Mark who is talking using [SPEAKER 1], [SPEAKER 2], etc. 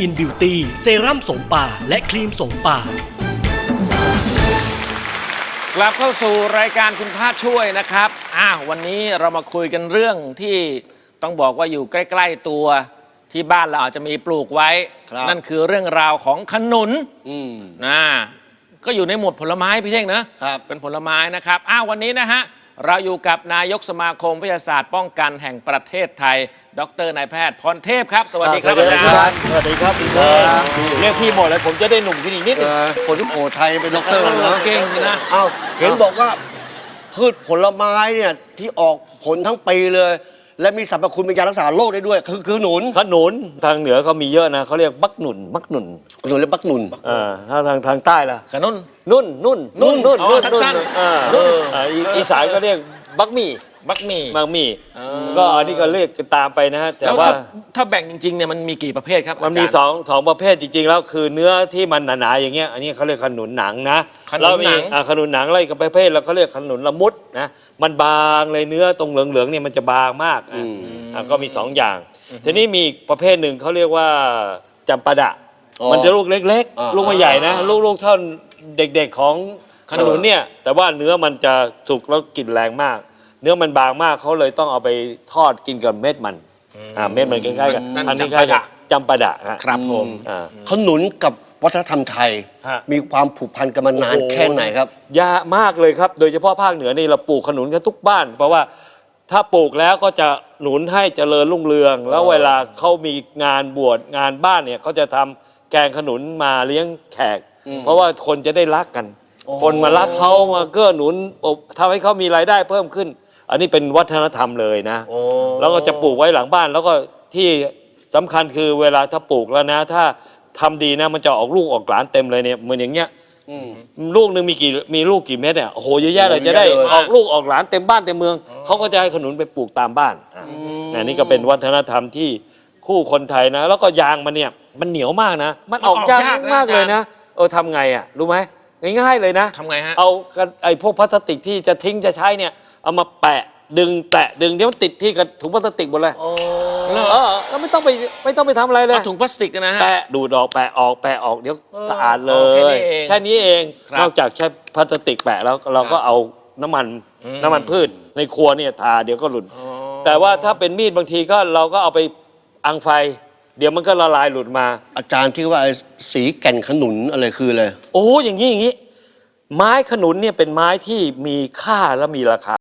[SPEAKER 1] อินบิวตี้เซรั่มโสมป่าและครีมโสมป่าก
[SPEAKER 2] ลับเข้าสู่รายการคุณพระช่วยนะครับวันนี้เรามาคุยกันเรื่องที่ต้องบอกว่าอยู่ใกล้ๆตัวที่บ้านเราอาจจะมีปลูกไว้นั่นคือเรื่องราวของขนุนก็อยู่ในหมวดผลไม้พี่เท่งนะเป็นผลไม้นะครับวันนี้นะฮะเราอยู่กับนายกสมาคมวิทยาศาสตร์ป้องกันแห่งประเทศไทยดร.นายแพทย์พรเทพครับสวัสดีครับอาจารย์
[SPEAKER 3] สวัสดีครับพี่เท่งเรียกพี่หมดเลยผมจะได้หนุ่มขึ้นอีกนิด
[SPEAKER 4] คนที่โอไทยเป็นด็อกเตอร์นะ
[SPEAKER 2] เก่งนะ
[SPEAKER 4] เห็นบอกว่าพืชผลไม้เนี่ยที่ออกผลทั้งปีเลย และมีสรรพคุณเป็นยารักษาโรคได้ด้วยคือหนุน
[SPEAKER 3] ขนุนทางเหนือเขามีเยอะนะเขาเรียกบักหนุน
[SPEAKER 4] หนุนและบักหนุน
[SPEAKER 3] ถ้าทางใต้ล่ะ
[SPEAKER 2] ขนุน
[SPEAKER 3] นุ่นอีสานก็เรียกบักมี่ก็อันนี้ก็เรียกตามไปนะฮะแต่ว่า
[SPEAKER 2] ถ้าแบ่งจริงๆเนี่ยมันมีกี่ประเภทครับ
[SPEAKER 3] มันมีสองประเภทจริงๆแล้วคือเนื้อที่มันหนาๆอย่างเงี้ยอันนี้เขาเรียกขนุนหนังนะ
[SPEAKER 2] แล้วมี
[SPEAKER 3] ขนุนหนังอะไรกับประเภทเราเขาเรียกขนุนละมุดนะมันบางเลยเนื้อตรงเหลืองๆเนี่ยมันจะบางมากก็มี2อย่างทีนี้มีประเภทหนึ่งเขาเรียกว่าจำปาดะมันจะลูกเล็กๆลูกไม่ใหญ่นะลูกเท่าเด็กๆของขนุนเนี่ยแต่ว่าเนื้อมันจะสุกแล้วกลิ่นแรงมากเนื้อมันบางมากเขาเลยต้องเอาไปทอดกินกับเม็ดมันเม็ดมันใกล้ๆกันอันนี้ใกล้จำปาดะ
[SPEAKER 2] ครับผม
[SPEAKER 4] ขนุนกับวัฒนธรรมไทยมีความผูกพันกันมานานแค่ไหนครับ
[SPEAKER 3] ยากมากเลยครับโดยเฉพาะภาคเหนือนี่เราปลูกขนุนกันทุกบ้านเพราะว่าถ้าปลูกแล้วก็จะหนุนให้เจริญรุ่งเรืองแล้วเวลาเขามีงานบวชงานบ้านเนี่ยเขาจะทำแกงขนุนมาเลี้ยงแขกเพราะว่าคนจะได้รักกันคนมารักเขามาเกื้อหนุนทำให้เขามีรายได้เพิ่มขึ้นอันนี้เป็นวัฒนธรรมเลยนะแล้วก็จะปลูกไว้หลังบ้านแล้วก็ที่สำคัญคือเวลาถ้าปลูกแล้วนะถ้าทำดีนะมันจะออกลูกออกหลานเต็มเลยเนี่ยเหมือนอย่างเงี้ยลูกหนึ่งมีลูกกี่เม็ดเนี่ยโอ้โหเยอะแยะเลยจะได้ออกลูกออกหลานเต็มบ้านเต็มเมืองเขาก็จะให้ขนุนไปปลูกตามบ้านนี่ก็เป็นวัฒนธรรมที่คู่คนไทยนะแล้วก็ยางมันเนี่ยมันเหนียวมากนะมันออกยากมากเลยนะทำไงรู้ไหมง่ายๆเลยนะ
[SPEAKER 2] ทำไงฮะ
[SPEAKER 3] เอาไอ้พวกพลาสติกที่จะทิ้งจะใช้เนี่ยเอามาแปะดึงเดี๋ยวมันติดที่กับถุงพลาสติกหมดเลยแล้วไม่ต้องไปทำอะไรเลย
[SPEAKER 2] ถุงพลาสติกนะฮะ
[SPEAKER 3] แปะดูดออกแปะออกเดี๋ยวสะอาดเลยแค่นี้เองนอกจากใช้พลาสติกแปะแล้วเราก็เอาน้ำมันพืชในครัวเนี่ยทาเดี๋ยวก็หลุดแต่ว่าถ้าเป็นมีดบางทีก็เราก็เอาไปอังไฟเดี๋ยวมันก็ละลายหลุดมา
[SPEAKER 4] อาจารย์ที่ว่าสีแก่นขนุนอะไรคืออะไร
[SPEAKER 3] อย่างนี้ไม้ขนุนเนี่ยเป็นไม้ที่มีค่าและมีราคา